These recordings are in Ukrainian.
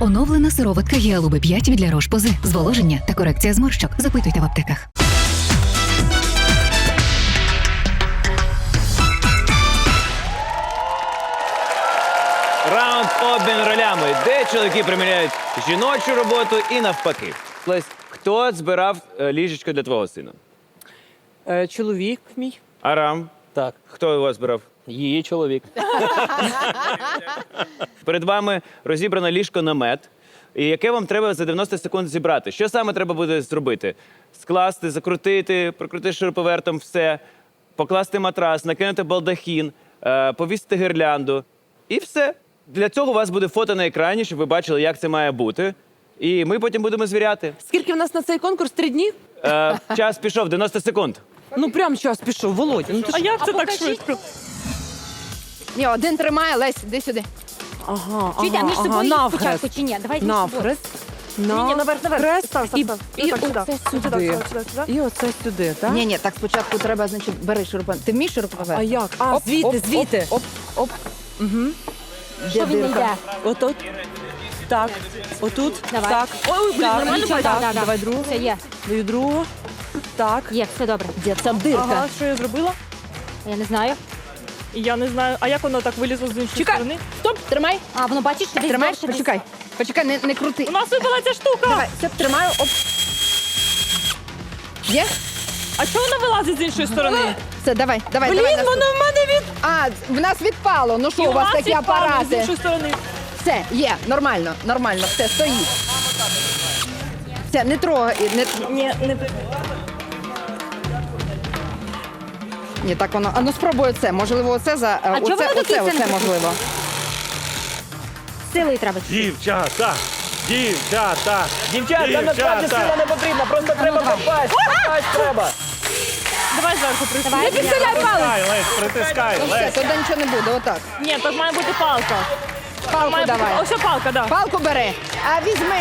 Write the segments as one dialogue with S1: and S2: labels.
S1: Оновлена сироватка Гіалуби 5 від Ля Рош-Позе. Зволоження та корекція зморщок. Запитуйте в аптеках.
S2: Раунд обмін ролями, де чоловіки приміряють жіночу роботу і навпаки. Лесь, хто збирав ліжечко для твого сина?
S3: Чоловік мій.
S2: Арам?
S4: Так,
S2: Хто його збирав?
S4: її чоловік.
S2: Перед вами розібрано ліжко-намет, і яке вам треба за 90 секунд зібрати. Що саме треба буде зробити? Скласти, закрутити, прокрутити шуруповертом все, покласти матрас, накинути балдахін, повісити гірлянду і все. Для цього у вас буде фото на екрані, щоб ви бачили, як це має бути. І ми потім будемо звіряти.
S3: Скільки в нас на цей конкурс? 3 дні?
S2: Час пішов, 90 секунд.
S3: Ну прям час пішов, Володя. Ну, ти ж...
S5: Як це так швидко?
S6: Ні, один тримає, Лесь, іди сюди.
S3: Ага,
S5: Чуйте, а між собою
S3: навхрест.
S5: спочатку чи ні? Давайте між собою.
S3: Навхрест.
S5: Ні, наверх, наверх.
S3: Хрест.
S5: Став,
S3: І
S5: став.
S3: оце сюди. І оце сюди, так?
S6: Ні, так спочатку треба, значить, бери шуруповерт. Ти вмієш шуруповерт?
S3: А як? А,
S6: Оп,
S3: звідти,
S6: оп,
S3: звідти.
S6: Оп, оп.
S5: Що він не йде?
S3: Отут. Так. Отут.
S5: Давай.
S3: Так.
S5: Ой, блін,
S3: Так,
S5: нормально
S3: нічого,
S5: бачиш?
S3: так. Давай другу.
S5: Все, є.
S3: Даю другу. Так.
S5: Є, все добре.
S6: Де там дирка?
S7: Ага, що я зробила?
S5: Я не знаю.
S7: Я не знаю. А як воно так вилізло з іншої
S6: Чекай,
S7: сторони?
S6: стоп, тримай.
S5: А, воно бачиш, десь
S6: Тримай,
S5: довше, десь.
S6: почекай. Почекай, не крути.
S7: У нас випала ця штука.
S6: Давай, все, тримаю, оп. Є?
S7: А чого вона вилазить з іншої сторони?
S6: Все, давай.
S3: Блін,
S6: наступ.
S3: воно в мене від...
S6: А, в нас відпало. Ну що,
S7: І
S6: у вас такі
S7: відпало з
S6: апарати?
S7: іншої сторони.
S6: Все, є, нормально, все, стоїть. Все, не трогай,
S7: Ні, не
S6: Ні, так воно. А ну спробуй оце. Можливо, оце за.
S5: чого воно до кінця не
S6: оце
S5: прикрутить?
S6: можливо.
S5: Силою треба.
S4: Дівчата! Дівчата!
S2: Дівчата, насправді сила не потрібна, просто треба попасть. Попасть треба.
S7: Давай зверху присунь.
S5: Давай,
S6: Підсиляй палець.
S4: Притискай, Лесь, притискай,
S6: Ну все,
S4: Лесь.
S6: туди нічого не буде, отак.
S7: Ні, тут має бути палка.
S6: Палку
S7: Має бути...
S6: давай.
S7: Ось палка, да.
S6: Палку бери. А візьми.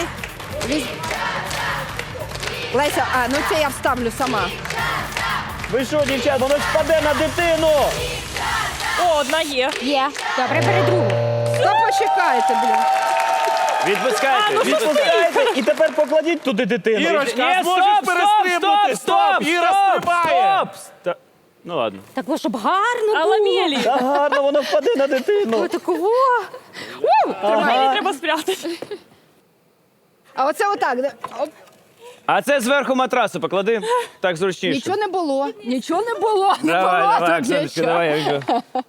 S6: Леся, ну це я вставлю сама.
S2: Ви що, дівчат, воно ж впаде на дитину.
S7: О, одна є.
S5: Є. Добре, бери другу.
S6: Та почекайте, блін.
S2: Відпускайте, відпускайте. І тепер покладіть туди дитину.
S4: Ірочка,
S2: Ні,
S4: а зможеш перестрибнути? Стоп, Іра, стрибає.
S2: Стоп. Ну ладно.
S5: Так, бо щоб гарно
S7: А
S5: було.
S7: ламелі.
S2: Та гарно, воно впаде на дитину.
S5: Такого.
S7: Ламелі треба спрятати.
S6: А оце отак. Оп.
S2: А це зверху матрасу поклади. Так зручніше.
S6: Нічого не було. Нічого не було. Не
S2: Давай,
S6: було
S2: давай,
S6: тут
S2: Оксаночка,
S6: нічого.
S2: давай, я йду.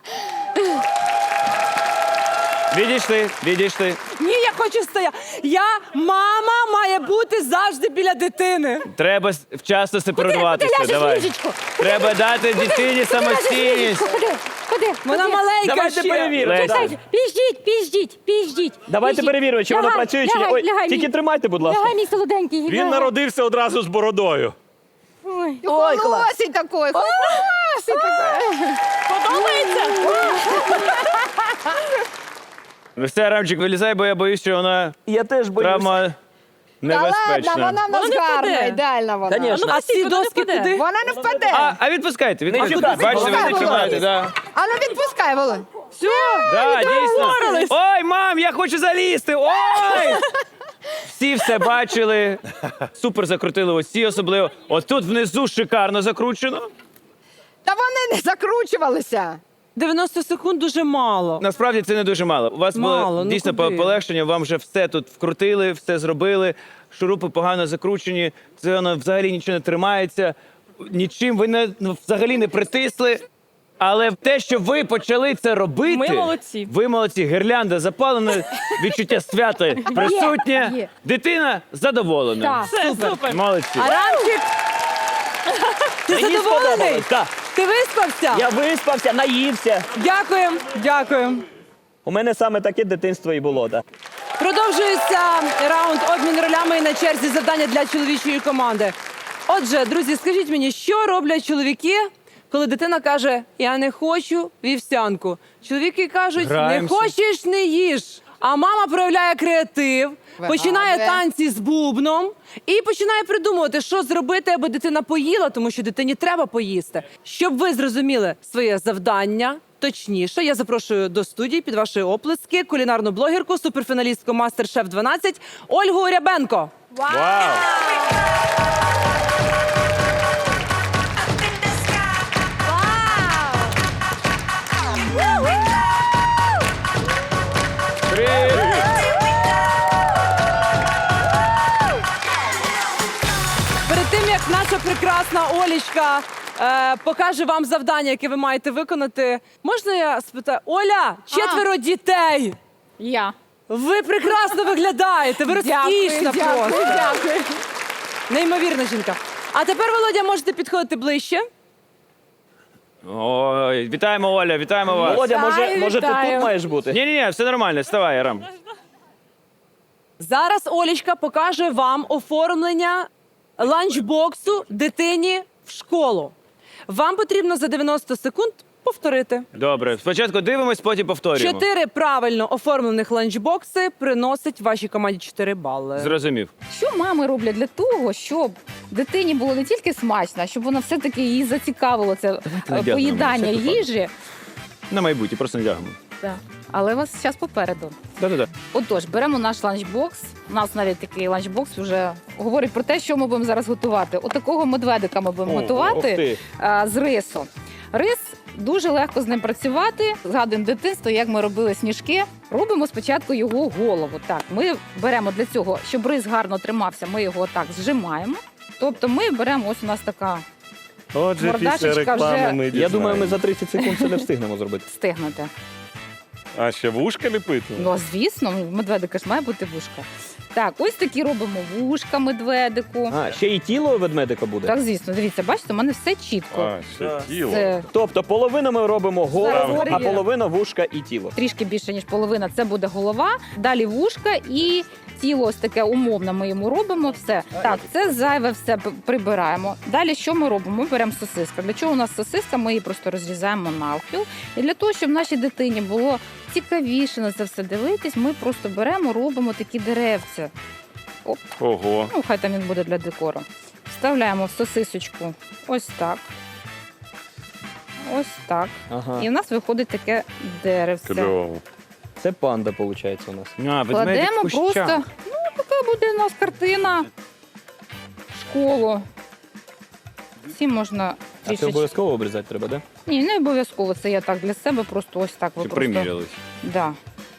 S2: Відійшли.
S3: Ні, я хочу стояти. Мама має бути завжди біля дитини.
S2: Треба вчасно сепаруватися.
S5: Куди ляжеш
S2: Давай.
S5: в ліжечко?
S2: Треба дати дитині самостійність.
S5: Ходи.
S3: Вона маленька
S4: Давайте
S3: ще.
S4: перевіримо.
S2: Лесь,
S5: Чекайте, підождіть.
S4: Давайте перевіримо, чи воно працює, чи ні. Ой, тільки тримайте, будь ласка.
S5: Лягай, мій солоденький.
S4: Він народився одразу з бородою.
S5: Ой.
S6: Ой, холосий такий, холосий такий.
S7: Подобається?
S2: Ну все, Рамчик, вилізай, бо я боюсь, що вона
S4: Я теж
S2: травма
S6: Та
S2: небезпечна.
S6: ладно, вона в нас
S7: Вона не
S6: гарна,
S7: впаде.
S6: ідеальна вона.
S4: Конечно.
S3: А ці
S7: вона не
S3: доски
S7: впаде.
S3: куди?
S6: Вона не впаде.
S2: А відпускайте, відпускайте.
S4: чіпайте.
S2: Бачите, ви не
S6: Відпускай,
S2: чіпаєте, да.
S6: А ну відпускай, Володь.
S2: Да, дійсно. Ой, мам, я хочу залізти. Ой! Всі все бачили. Супер закрутили ось ці особливо. От тут внизу шикарно закручено.
S6: Та вони не закручувалися.
S3: 90 секунд дуже мало.
S2: Насправді це не дуже мало. У вас
S3: Мало,
S2: було
S3: ну
S2: дійсно
S3: куди?
S2: полегшення, вам вже все тут вкрутили, все зробили. Шурупи погано закручені, це воно взагалі нічого не тримається. Нічим ви взагалі не притисли. Але те, що ви почали це робити,
S7: Ми молодці.
S2: Ви молодці. Гірлянда запалена, відчуття свята присутнє.
S5: Є.
S2: Дитина задоволена.
S5: Так.
S7: Все, супер.
S2: Молодці.
S3: Арамчик, ти задоволений?
S4: Так.
S3: Ти виспався?
S4: Я виспався, наївся.
S3: Дякую.
S4: У мене саме таке дитинство і було, так.
S3: Продовжується раунд обмін ролями і на черзі завдання для чоловічої команди. Отже, друзі, скажіть мені, що роблять чоловіки, коли дитина каже «я не хочу вівсянку». Чоловіки кажуть
S2: Граємося.
S3: «не хочеш – не їж». А мама проявляє креатив, починає танці з бубном і починає придумувати, що зробити, аби дитина поїла, тому що дитині треба поїсти. Щоб ви зрозуміли своє завдання, точніше. Я запрошую до студії під ваші оплески кулінарну блогерку, суперфіналістку Мастер-Шеф 12 Ольгу Рябенко.
S4: Вау!
S3: Перед тим, як наша прекрасна Олічка покаже вам завдання, яке ви маєте виконати, можна я спитаю? Оля, 4 дітей!
S5: Я.
S3: Ви прекрасно виглядаєте, ви розкішна просто.
S5: Дякую.
S3: Неймовірна жінка. А тепер, Володя, можете підходити ближче.
S2: Ой, вітаємо, Оля, вітаємо вас.
S4: Володя, може ти
S5: вітаю.
S4: тут маєш бути?
S2: Ні, все нормально, вставай, Арам.
S3: Зараз Олічка покаже вам оформлення ланчбоксу дитині в школу. Вам потрібно за 90 секунд повторити.
S2: Добре, спочатку дивимось, потім повторюємо.
S3: 4 правильно оформлених ланчбокси приносять вашій команді 4 бали.
S2: Зрозумів.
S8: Що мами роблять для того, щоб дитині було не тільки смачно, а щоб вона все-таки її зацікавило це
S2: надягнемо,
S8: поїдання
S2: всяк випадок.
S8: їжі.
S2: На майбутнє, просто не дягнемо.
S8: Так. Але у вас зараз попереду.
S2: Да-да-да.
S8: Отож, беремо наш ланчбокс. У нас навіть такий ланчбокс вже говорить про те, що ми будемо зараз готувати. Отакого медведика ми будемо
S4: Ух
S8: готувати
S4: ти.
S8: з рису. Рис дуже легко з ним працювати. Згадуємо дитинство, як ми робили сніжки. Робимо спочатку його голову. Так, ми беремо для цього, щоб рис гарно тримався, ми його так зжимаємо. Тобто ми беремо, ось у нас така
S9: Отже,
S8: Мордашечка
S9: після реклами
S8: вже-
S9: ми
S4: Я думаю, ми
S9: дізнаємось.
S4: за 30 секунд це не встигнемо зробити.
S8: стигнути.
S9: А ще вушка ліпити?
S8: Ну, звісно, медведика ж має бути вушка. Так, ось такі робимо вушка медведику.
S4: А, ще і тіло ведмедика буде?
S8: Так, звісно, дивіться, бачите, у мене все чітко.
S9: А, ще тіло.
S8: Це
S4: Тобто половину ми робимо голову,
S8: Зараз
S4: а
S8: є.
S4: половина вушка і тіло.
S8: трішки більше, ніж половина, це буде голова, далі вушка і тіло ось таке умовне ми йому робимо. Все. Так, це зайве все прибираємо. Далі що ми робимо? Ми беремо сосиска. Для чого у нас сосиска? Ми її просто розрізаємо навпіл. І для того, щоб нашій дитині було цікавіше на це все дивитись, ми просто беремо, робимо такі деревця.
S9: Ого.
S8: Ну, хай там він буде для декору. Вставляємо в сосисочку ось так. Ось так.
S4: Ага.
S8: І в нас виходить таке деревце.
S9: Кльово.
S4: Це панда, виходить, у нас.
S2: А, ведмедик в
S8: Кладемо
S2: кущах.
S8: просто, ну, така буде у нас картина. Школу. Всі можна
S4: А це
S8: трішечки.
S4: обов'язково обрізати треба, так?
S8: Ні, не обов'язково. Це я так для себе, просто ось так. Ви
S2: Чи
S8: просто...
S2: примірялись?
S8: Да.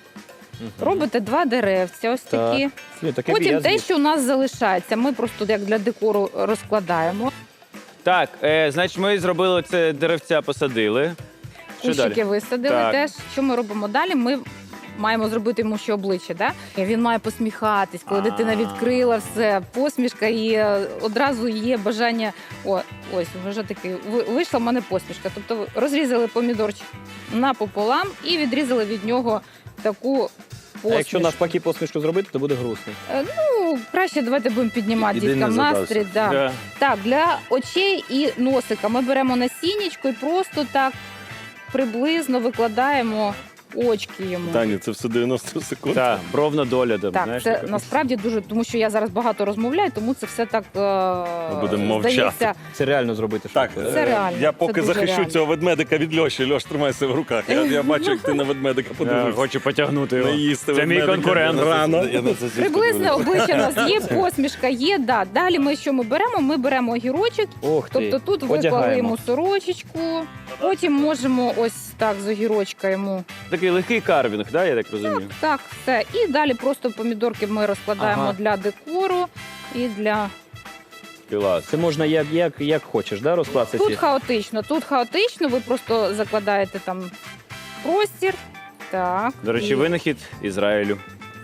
S8: Робите 2 деревця, ось такі. Потім те, що у нас залишається, ми просто як для декору розкладаємо.
S2: Так, значить, ми зробили це деревця, посадили. Що
S8: Кущики
S2: далі?
S8: висадили
S2: Так.
S8: теж. Що ми робимо далі? Ми маємо зробити йому ще обличчя. Да? Він має посміхатись, коли дитина відкрила все, посмішка, і одразу є бажання. Ось вже такий вийшла в мене посмішка. Тобто розрізали помідорчик напополам і відрізали від нього таку
S4: А
S8: посмішку.
S4: якщо навпаки посмішку зробити, то буде грустно.
S8: Ну, краще давайте будемо піднімати
S9: Іди
S8: діткам
S9: не
S8: настрій. Да.
S2: Да.
S8: Так, для очей і носика ми беремо насіннячко і просто так приблизно викладаємо очки йому.
S9: Таня, це все 90 секунд.
S2: Так, бровна доля. Там,
S8: Так,
S2: знаєш,
S8: це
S2: така.
S8: насправді дуже, тому що я зараз багато розмовляю, тому це все так
S9: будемо мовчати.
S8: здається.
S4: Це реально зробити
S9: Так,
S4: швидко.
S8: Це реально,
S9: я
S8: це
S9: поки
S8: дуже
S9: захищу
S8: реально.
S9: цього ведмедика від Льоші. Льош, тримайся в руках. Я бачу, як ти на ведмедика
S2: Я
S9: подивився.
S2: хочу потягнути його.
S9: Не їсти
S2: Це мій
S9: ведмедика.
S2: конкурент.
S9: Рано.
S8: Приблизне обличчя у нас є, посмішка є. Да. Далі ми що ми беремо? Ми беремо огірочок.
S4: Ох ти.
S8: Тобто тут виклали
S4: Одягаємо.
S8: йому сорочечку, потім можемо ось так з огірочка йому.
S2: Такий легкий карвінг, да, я так розумію?
S8: Так, все. І далі просто помідорки ми розкладаємо
S2: Ага.
S8: для декору і для.
S2: Клас.
S4: Це можна як хочеш, да, розкласти
S8: Тут
S4: ці?
S8: хаотично, ви просто закладаєте там простір. Так.
S2: До речі,
S8: і-
S2: винахід Ізраїлю.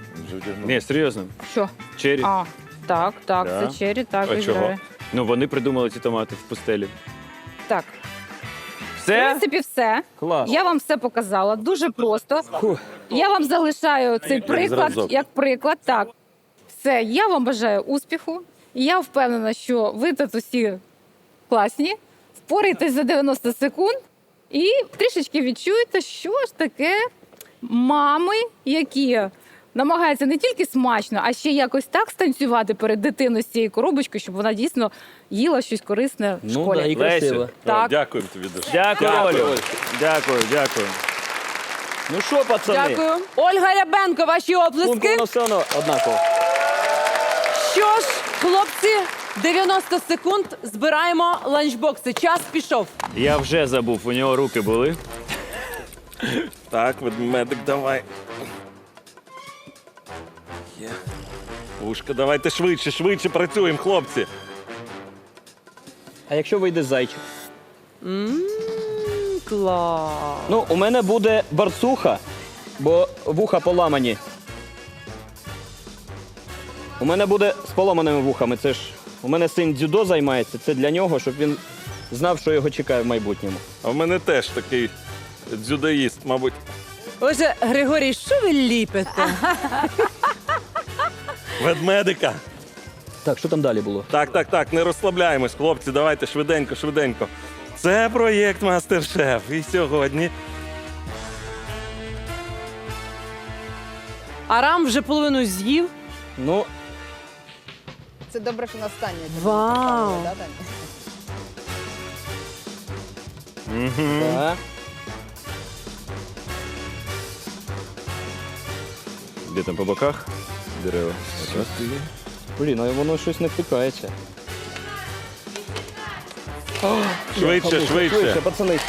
S2: Ні, серйозно.
S8: Що?
S2: Чері.
S8: А, так,
S2: Да.
S8: це чері, так,
S2: А чого?
S8: Ізраїль.
S2: Ну, вони придумали ці томати в пустелі.
S8: Так. В
S2: Все?
S8: принципі, все.
S4: Клас.
S8: Я вам все показала. Дуже просто. Я вам залишаю цей приклад
S9: зразок.
S8: як приклад. Так. Все, я вам бажаю успіху. Я впевнена, що ви тут усі класні, впораєтесь за 90 секунд і трішечки відчуєте, що ж таке мами, які намагається не тільки смачно, а ще якось так станцювати перед дитиною з цією коробочкою, щоб вона дійсно їла щось корисне в
S4: Ну,
S8: школі.
S4: да, і красиво.
S2: Лесю.
S3: Так.
S9: О, дякуємо тобі дуже.
S2: Дякую,
S4: Дякую.
S2: Олю. Дякую, дякую.
S4: Ну що, пацани?
S3: Дякую. Ольга Рябенко, ваші
S4: Пункт
S3: оплески.
S4: воно все одно однаково.
S3: Що ж, хлопці, 90 секунд, збираємо ланчбокси. Час пішов.
S2: Я вже забув, у нього руки були.
S9: Так, ведмедик, давай. Є. Ушка, давайте швидше працюємо, хлопці.
S4: А якщо вийде зайчик?
S3: Клас.
S4: Ну, у мене буде барцуха, бо вуха поламані. У мене буде з поламаними вухами. Це ж у мене син дзюдо займається. Це для нього, щоб він знав, що його чекає в майбутньому.
S9: А в мене теж такий дзюдоїст, мабуть.
S3: Отже, Григорій, що ви ліпите?
S9: Ведмедика.
S4: Так, що там далі було?
S9: Так, не розслабляємось, хлопці, давайте швиденько. Це проєкт Мастер-Шеф. І сьогодні
S3: Арам вже половину з'їв.
S4: Ну,
S6: Це добре, що на останнє.
S3: Вау.
S6: Да, Даня?
S4: так.
S2: Де там по боках? Дерева.
S4: Блін, а воно щось не втикається.
S9: швидше.
S4: Пацани.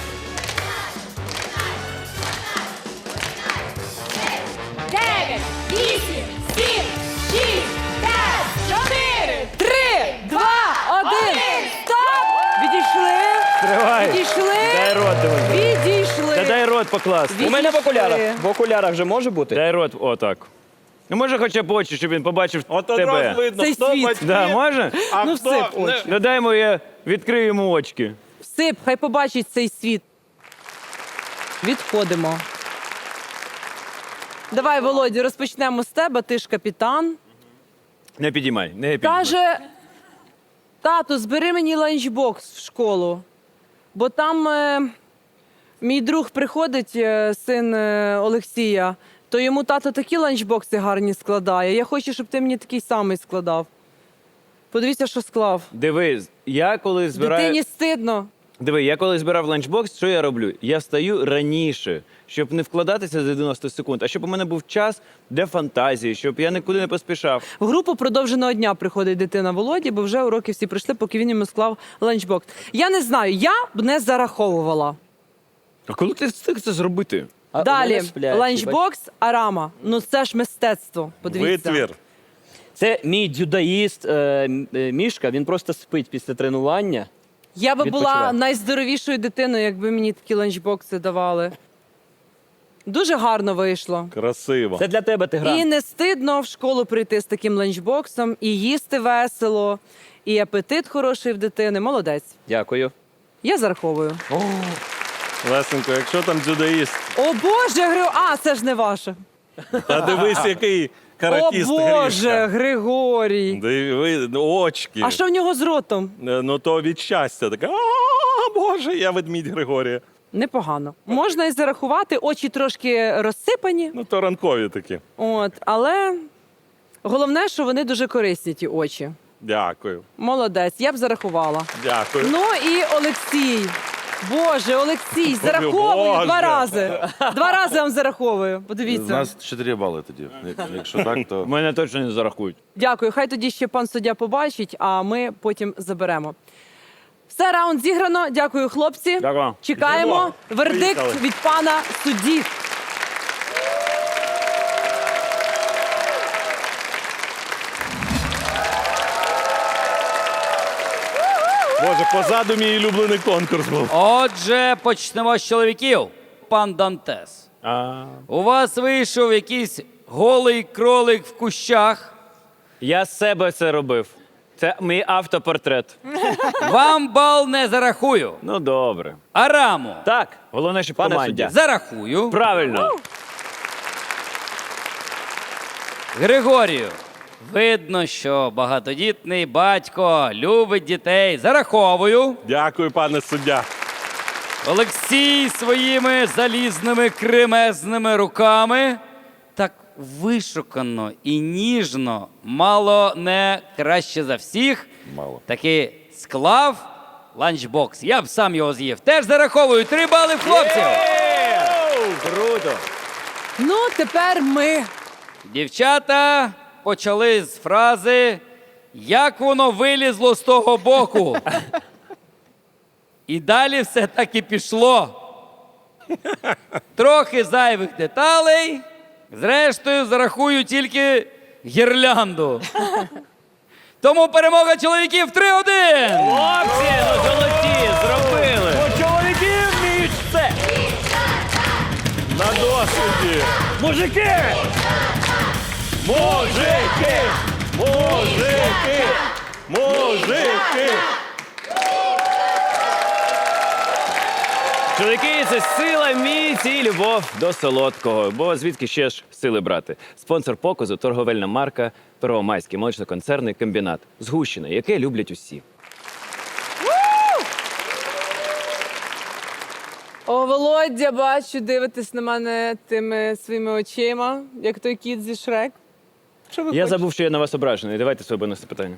S3: Три, два, один. Стоп! Відійшли.
S2: Тривай.
S3: Відійшли.
S2: Дай рот дивись.
S3: Відійшли.
S2: Та дай рот покласти.
S4: У мене в
S3: Відійшли.
S4: окулярах. В окулярах вже може бути?
S2: Дай рот, отак. Ну може хоча б очі, щоб він побачив
S9: От
S2: тебе.
S9: одразу видно,
S3: Цей
S9: хто
S3: світ.
S9: батьки,
S2: Да, може?
S9: а
S3: Ну,
S9: хто
S3: всип очі.
S2: Ну дай йому, я відкрию йому очки.
S3: Всип, хай побачить цей світ. Відходимо. Давай, Володя, розпочнемо з тебе. Ти ж капітан.
S2: Не підіймай, не підіймай.
S3: Каже, тату, збери мені ланчбокс в школу. Бо там мій друг приходить, син Олексія, то йому тато такі ланчбокси гарні складає. Я хочу, щоб ти мені такий самий складав. Подивіться, що склав.
S2: Дивись, я коли збираю...
S3: Дитині стидно.
S2: Диви, я коли збирав ланчбокс, що я роблю? Я встаю раніше, щоб не вкладатися за 90 секунд, а щоб у мене був час для фантазії, щоб я нікуди не поспішав.
S3: В групу продовженого дня приходить дитина Володі, бо вже уроки всі пройшли, поки він йому склав ланчбокс. Я не знаю, я б не зараховувала.
S2: А коли ти встиг це зробити?
S4: А у
S3: Далі,
S4: мене сплячі,
S3: ланчбокс Арама. Ну це ж мистецтво. Подивіться.
S9: Витвір.
S4: Це мій дзюдоїст Мішка, він просто спить після тренування.
S3: Я би була
S4: Відпочиває.
S3: найздоровішою дитиною, якби мені такі ланчбокси давали. Дуже гарно вийшло.
S9: Красиво.
S4: Це для тебе ти грав.
S3: І не стидно в школу прийти з таким ланчбоксом, і їсти весело, і апетит хороший в дитини. Молодець.
S4: Дякую.
S3: Я зараховую.
S9: Лесенко, якщо там дзюдоїст,
S3: О Боже, це ж не ваше.
S9: та дивись, який
S3: О
S9: каратіст
S3: Боже,
S9: Грішка.
S3: Григорій.
S9: Диви, очки.
S3: А що в нього з ротом?
S9: Ну то від щастя таке. Боже, я ведмідь Григорія.
S3: Непогано. Можна і зарахувати, очі трошки розсипані.
S9: Ну то ранкові такі.
S3: От, але головне, що вони дуже корисні, ті очі.
S9: Дякую.
S3: Молодець, я б зарахувала.
S9: Дякую.
S3: Ну і Олексій. Боже, Олексій, зараховую
S9: Боже.
S3: 2 рази. 2 рази вам зараховую.
S10: У
S3: Подивіться.
S10: нас 4 бали тоді. Якщо так, то
S2: Мене точно не зарахують.
S3: Дякую. Хай тоді ще пан суддя побачить, а ми потім заберемо. Все, раунд зіграно. Дякую, хлопці.
S2: Дякую.
S3: Чекаємо
S9: Йдемо.
S3: вердикт
S9: Поїхали.
S3: від пана судді.
S9: Боже, позаду мій улюблений конкурс був.
S11: Отже, почнемо з чоловіків. Пан Дантес. У вас вийшов якийсь голий кролик в кущах.
S2: Я з себе це робив. Це мій автопортрет.
S11: Вам бал не зарахую.
S2: Ну добре.
S11: Араму
S4: Так,
S2: Головне, що в
S4: Пане
S2: команді.
S4: суддя.
S11: зарахую.
S2: Правильно.
S11: Григорію. Видно, що багатодітний батько любить дітей. Зараховую.
S9: Дякую, пане суддя.
S11: Олексій своїми залізними кремезними руками. Так вишукано і ніжно, мало не краще за всіх,
S10: Мало.
S11: таки склав ланчбокс. Я б сам його з'їв. Теж зараховую 3 бали в хлопців.
S2: Круто!
S3: Ну, тепер ми.
S11: Дівчата почали з фрази «Як воно вилізло з того боку?» І далі все так і пішло. Трохи зайвих деталей. Зрештою, зарахую тільки гірлянду. Тому перемога чоловіків 3-1.
S2: Хлопці, ну золоті, зробили!
S4: Чоловіки вміють все!
S9: На досвіді!
S4: Мужики!
S9: Мужики! Мужики! Мужики!
S2: Чоловіки, це сила, міць і любов до солодкого. Бо звідки ще ж сили брати? Спонсор показу – торговельна марка Первомайський молочно-концерний комбінат. Згущене, яке люблять усі.
S3: О, Володя, бачу, дивитесь на мене тими своїми очима, як той кіт зі Шрек. Що ви
S2: Я
S3: хочете?
S2: забув, що я на вас ображений. Давайте своє бонусне питання.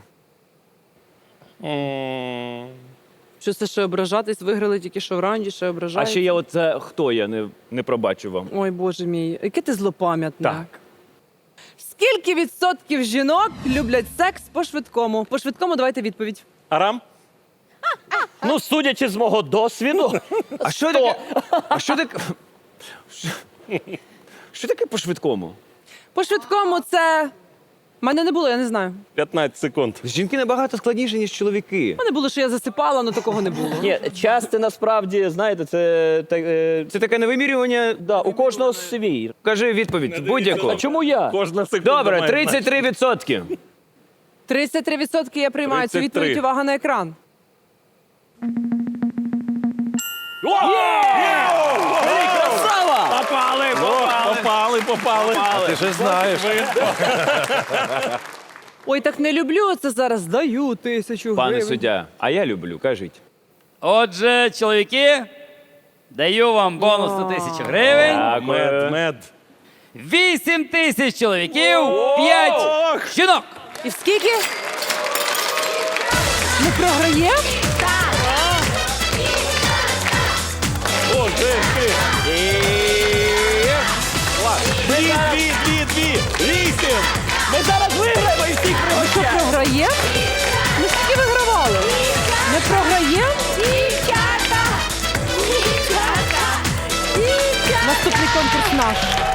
S3: Що це ще ображатись? Виграли тільки що в раунді, ще
S2: А
S3: ображаєте?
S2: ще я оце хто я не пробачу вам.
S3: Ой, Боже мій, яке ти злопам'ятне.
S2: Так.
S3: Скільки відсотків жінок люблять секс по-швидкому? По-швидкому давайте відповідь.
S9: Арам?
S4: Ну, судячи з мого досвіду,
S2: А що таке? А що таке? Що таке по-швидкому?
S3: По-швидкому це... У мене не було, я не знаю.
S9: 15 секунд.
S2: Жінки набагато складніші, ніж чоловіки.
S3: У мене було, що я засипала, але такого не було.
S4: ні, час це насправді, знаєте, це
S2: Це таке невимірювання.
S4: да, у кожного свій.
S2: Кажи відповідь будь-яку.
S4: А чому я?
S9: Кожна секунда
S2: Добре,
S9: має значення.
S2: 33%.
S3: 33% я приймаю цю
S9: 33.
S3: відповідь. Увага на екран.
S9: Попали.
S10: А ти ж знаєш.
S3: Ой, так не люблю це зараз. Даю 1000
S2: Пане
S3: гривень.
S2: суддя, а я люблю, кажіть.
S11: Отже, чоловіки, даю вам бонус 100 тисяч гривень.
S9: Мед.
S11: 8 тисяч чоловіків, 5 жінок.
S3: І в скільки? Ми програємо?
S9: Мужики! Дві! 8!
S4: Ми зараз виграємо і всіх
S3: Ми що, програємо? Ми скільки вигравали? Ми програємо? Наступний конкурс наш.